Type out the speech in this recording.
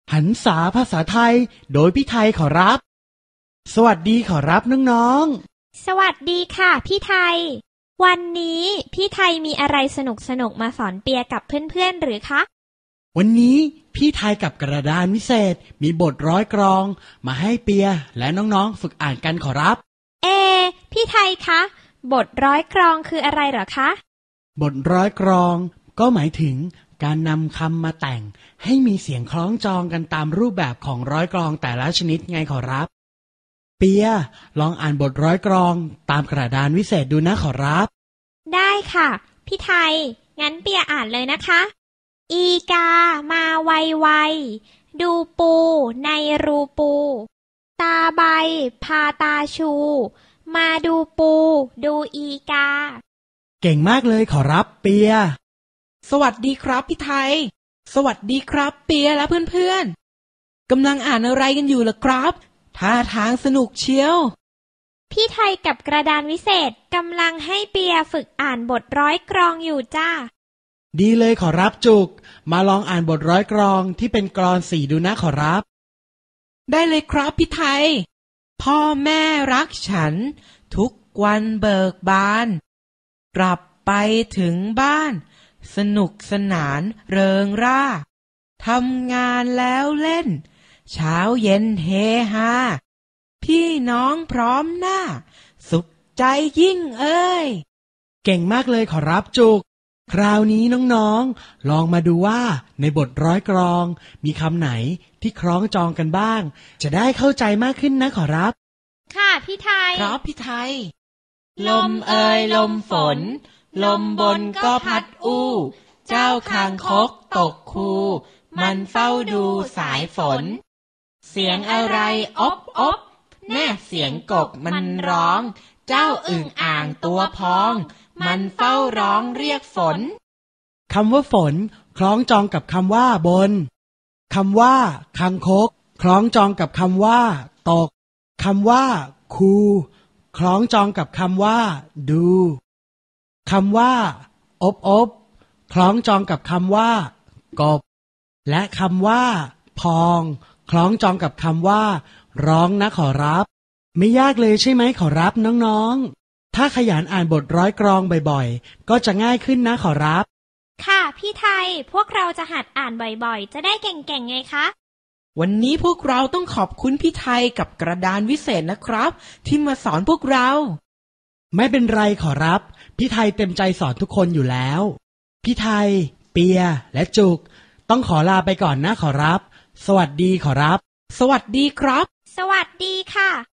หันษาภาษาไทยโดยพี่ไทยขอรับสวัสดีขอรับน้องๆสวัสดีค่ะพี่ไทยวันนี้พี่ไทยมีอะไรสนุกมาสอนเปียกับเพื่อนๆหรือคะวันนี้พี่ไทยกับกระดานวิเศษมีบทร้อยกลองมาให้เปียและน้องๆฝึกอ่านกันขอรับพี่ไทยคะบทร้อยกลองคืออะไรเหรอคะบทร้อยกลองก็หมายถึงการนำคำมาแต่งให้มีเสียงคล้องจองกันตามรูปแบบของร้อยกลองแต่ละชนิดไงขอรับเปียลองอ่านบทร้อยกลองตามกระดานวิเศษดูนะขอรับได้ค่ะพี่ไทยงั้นเปียอ่านเลยนะคะอีกามาไวๆดูปูในรูปูตาใบพาตาชูมาดูปูดูอีกาเก่งมากเลยขอรับเปียสวัสดีครับพี่ไทยสวัสดีครับเปียและเพื่อนๆกำลังอ่านอะไรกันอยู่ล่ะครับท่าทางสนุกเชียวพี่ไทยกับกระดานวิเศษกำลังให้เปียฝึกอ่านบทร้อยกลองอยู่จ้าดีเลยขอรับจุกมาลองอ่านบทร้อยกลองที่เป็นกลอน4ดูนะขอรับได้เลยครับพี่ไทยพ่อแม่รักฉันทุกวันเบิกบานกลับไปถึงบ้านสนุกสนานเริงร่าทำงานแล้วเล่นเช้าเย็นเฮฮาพี่น้องพร้อมหน้าสุขใจยิ่งเอ้ยเก่งมากเลยขอรับจุกคราวนี้น้องๆลองมาดูว่าในบทร้อยกลองมีคำไหนที่คล้องจองกันบ้างจะได้เข้าใจมากขึ้นนะขอรับค่ะพี่ไทยครับพี่ไทยลมเอ่ยลมฝนลมบนก็พัดอู้เจ้าคางคกตกคูมันเฝ้าดูสายฝนเสียงอะไรอบอบแน่เสียงกบมันร้องเจ้าอึ่งอ่างตัวพองมันเฝ้าร้องเรียกฝนคำว่าฝนคล้องจองกับคำว่าบนคำว่าคางคกคล้องจองกับคำว่าตกคำว่าคูคล้องจองกับคำว่าดูคำว่าอบอบคล้องจองกับคำว่ากบและคำว่าพองคล้องจองกับคำว่าร้องนะขอรับไม่ยากเลยใช่ไหมขอรับน้องๆถ้าขยันอ่านบทร้อยกลองบ่อยๆก็จะง่ายขึ้นนะขอรับค่ะพี่ไทยพวกเราจะหัดอ่านบ่อยๆจะได้เก่งๆไงคะวันนี้พวกเราต้องขอบคุณพี่ไทยกับกระดานวิเศษนะครับที่มาสอนพวกเราไม่เป็นไรขอรับพี่ไทยเต็มใจสอนทุกคนอยู่แล้วพี่ไทยเปียและจุกต้องขอลาไปก่อนนะขอรับสวัสดีขอรับสวัสดีครับสวัสดีค่ะ